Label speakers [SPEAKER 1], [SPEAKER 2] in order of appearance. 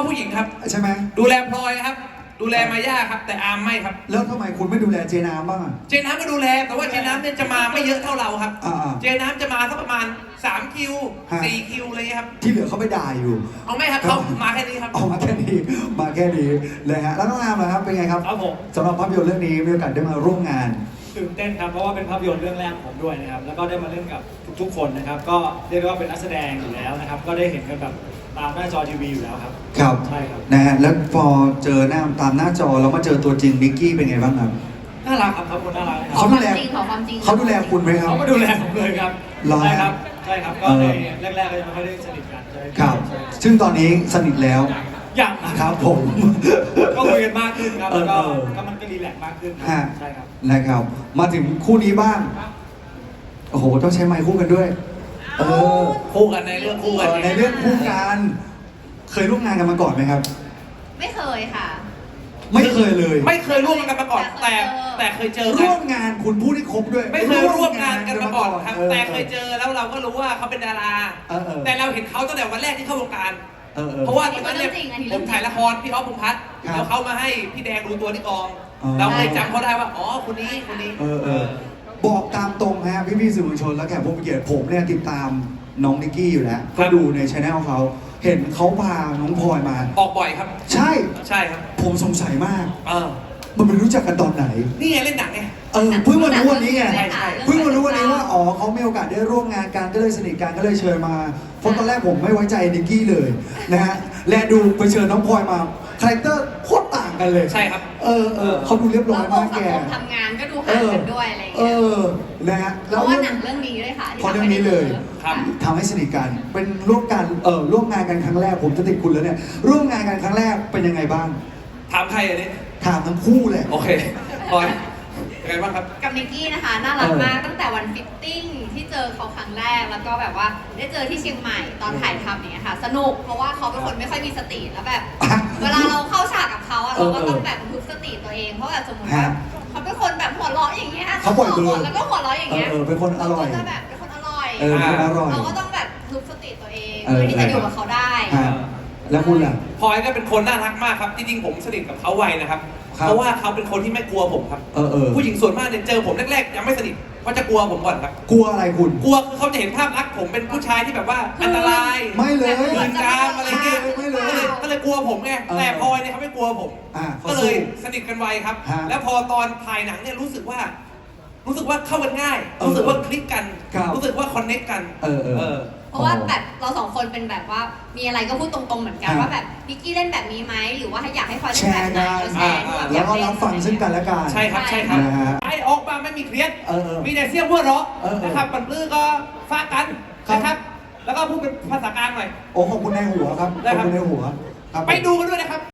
[SPEAKER 1] ผู้หญิงครับ
[SPEAKER 2] ใช่ไหม
[SPEAKER 1] ดูแลพลอยครับดูแลมาย่าครับแต่อาร์มไม่ครับ
[SPEAKER 2] แล้วทำไมคุณไม่ดูแลเจน้ำบ้างอ่ะ
[SPEAKER 1] เจน้ำก็ดูแลแต่ว่าเจน้ำเนี่ยจะมาไม่เยอะเท่าเราครับเจน้ำจะมาสักประมาณ3 คิว 4 คิวอะไรครับ
[SPEAKER 2] ที่เหลือเขาไปด่าอยู่
[SPEAKER 1] เอาไม่ครับเขามาแค่นี้ครับ
[SPEAKER 2] เอามาแค่นี้มาแค่นี้เลยฮะแล้วน้องอาร์มล่ะครับเป็นไงครับ
[SPEAKER 3] ครับผม
[SPEAKER 2] สำหรับภาพยนตร์เรื่องนี้มีโอกาสได้มาร่วมงาน
[SPEAKER 3] ตื่นเต้นครับเพราะว่าเป็นภาพยนตร์เรื่องแรกของผมด้วยนะครับแล้วก็ได้มาเล่นกับทุกๆคนนะครับก็เรียกได้ว่าเป็นนักแสดงอยู่แล้วนะครับก็ได้เห็นกันแบบตามหน้าจอทีวีอยู่แล้วครับ
[SPEAKER 2] ครับ
[SPEAKER 3] ใช่ครับ
[SPEAKER 2] นะฮะแล้วพอเจอหน้าตามหน้าจอแล้วมาเจอตัวจริงนิกกี้เป็นไงบ้างครับ
[SPEAKER 3] น่ารักครับเขาคนน่ารัก
[SPEAKER 2] เขาดูแลเขาดูแลคุณไหมครับ
[SPEAKER 3] เขาก็ดูแลผมเลยครับใช่ครับใช่ครับก็ในแรกๆก็ยังไม่ค่อยได้สนิทกัน
[SPEAKER 2] ครับซึ่งตอนนี้สนิทแล้ว
[SPEAKER 3] อย่าง
[SPEAKER 2] ครับผม
[SPEAKER 3] ก็คุยกันมากขึ้นครับแล้วก็มันก็รีแลกซ์มากขึ้นใช่ครับ
[SPEAKER 2] นะครับมาถึงคู่นี้บ้างโอ้โหต้องใช้ไมค์คู่กันด้วย
[SPEAKER 1] คู่กันในเรื่องคู่กัน
[SPEAKER 2] ในเรื่องคู่กันเคยร่วมงานกันมาก่อนไหมครับ
[SPEAKER 4] ไม่เคยค่ะ
[SPEAKER 2] ไม่เคยเลย
[SPEAKER 1] ไม่เคยร่วมงานกันมาก่อนแต่เคยเจอ
[SPEAKER 2] ร่วมงานคุณพูดให้ครบด้วย
[SPEAKER 1] ไม่เคยร่วมงานกันมาก่อนครับแต่เคยเจอแล้วเราก็รู้ว่าเขาเป็นดาราแต่เราเห็นเขาตั้งแต่วันแรกที่เข้าวงการเพราะว่าตอนนั้นเนี่ยผมถ่ายละครพี่อ๊อฟพงษ์พัฒน์แล้วเขามาให้พี่แดงดูตัวที่กองเราเลยจำเขาได้ว่าอ๋อคนนี้
[SPEAKER 2] บอกตามตรงฮะพี่สื่อมวลชนและแขกผู้มีเกียรติผมเนี่ยติดตามน้องนิกกี้อยู่แล้วก็ดูในช่องเขาเห็นเขาพาน้องพลอยมา
[SPEAKER 1] ออกบ่อยครับ
[SPEAKER 2] ใช่
[SPEAKER 1] ครับ
[SPEAKER 2] ผมสงสัยมากมันเป็นรู้จักกันตอนไหน
[SPEAKER 1] นี่ไงเล่นหนังไง
[SPEAKER 2] เพิ่งมารู้วันนี้ไงเพิ่งมารู้วันนี้ว่าอ๋อเขามีโอกาสได้ร่วมงานกันก็เลยสนิทกันก็เลยเชิญมาเพราะตอนแรกผมไม่ไว้ใจนิกกี้เลยนะฮะและดูไปเชิญน้องพลอยมาคาแรคเตอร์โคตรต่างกันเลย
[SPEAKER 1] ใช่ครับ
[SPEAKER 2] เขาดูเรียบร้อยมากแก
[SPEAKER 4] ทำงานก็ดูห่างกันด้วยอะไรอย่างเงี้ย
[SPEAKER 2] นะฮะ
[SPEAKER 4] เพราะว่าหนังเรื่องนี้ด้วยค่ะ
[SPEAKER 2] เพราะเรื่องนี้เลยทำให้สนิทกันเป็นร่วมงานกันครั้งแรกผมจะติดคุณแล้วเนี่ยร่วมงานกันครั้งแรกเป็นยังไงบ้าง
[SPEAKER 1] ถามใครอันนี้
[SPEAKER 2] ถามทั้งคู่เลย
[SPEAKER 1] โอเคพลอยยังไงบ้างครับ
[SPEAKER 4] กับนิกกี้นะคะน่ารักมากตั้งแต่วันฟิตติ้งที่เจอเขาครั้งแรกแล้วก็แบบว่าได้เจอที่เชียงใหม่ตอนถ่ายทำอย่างเงี้ยค่ะสนุกเพราะว่าเขาเป็นคนไม่ค่อยมีสติแล้วแบบเวลาเราเข้าฉากกับเขาเราก็ต้องแบบพึกสติตัวเองเพราะแบบสมมติว่าเขาเป็นคนแบบหัวเราะอย่างเงี้ย
[SPEAKER 2] เขาปล่อยเบอร์
[SPEAKER 4] แล้วก็หัวเราะอย่างเงี้ย
[SPEAKER 2] เป็นคนอร่อย
[SPEAKER 4] แบบเป็นคนอร่อย
[SPEAKER 2] เรา
[SPEAKER 4] ก็ต้องแบบพึกสติตัวเองเพื่อที่จะอยู่กับเขาได้
[SPEAKER 2] แล้วคุณล่ะ
[SPEAKER 1] พลอยก็เป็นคนน่ารักมากครับจริงๆผมสนิทกับเขาไวนะครับเพราะว่าเขาเป็นคนที่ไม่กลัวผมครับผู้หญิงส่วนมากเนี่ยเจอผมแรกๆยังไม่สนิทเขาจะกลัวผมก่อนครับ
[SPEAKER 2] กลัวอะไรคุณ
[SPEAKER 1] กลัวคือเขาจะเห็นภาพลักษณ์ผมเป็นผู้ชายที่แบบว่าอันตราย
[SPEAKER 2] ไม่เลย
[SPEAKER 1] ปืนกามอะไรเงี้ย
[SPEAKER 2] ไม่เลย
[SPEAKER 1] ก็เลยกลัวผมไงแต่พลอยเนี่ยเขาไม่กลัวผมก็เลยสนิทกันไวครับแล้วพอตอนถ่ายหนังเนี่ยรู้สึกว่าเข้ากันง่ายรู้สึกว่าคลิกกันรู้สึกว่าคอนเนคกัน
[SPEAKER 4] เพราะว่าแบบเราสองคนเป็นแบบว่ามีอะไรก็พูดตรงๆเหมือนกันว่าแบบนิกกี้เล่นแบบนี้ไหมหรือว่าอยากให้พลอยเล่นแบบไหนแชร์
[SPEAKER 2] แล้วก็รับฟังซึ่งกันและกัน
[SPEAKER 1] ใช่ครับไอออกมาไม่มีเครียดมีแต่เสี้ยงหัวเราะนะครับปันปื้อก็ฟากันนะครับแล้วก็พูดเป็นภาษากลางหน่อย
[SPEAKER 2] โอ้ขอบคุณในหัวครับขอบคุณในหัว
[SPEAKER 1] ไปดูกันด้วยนะครับ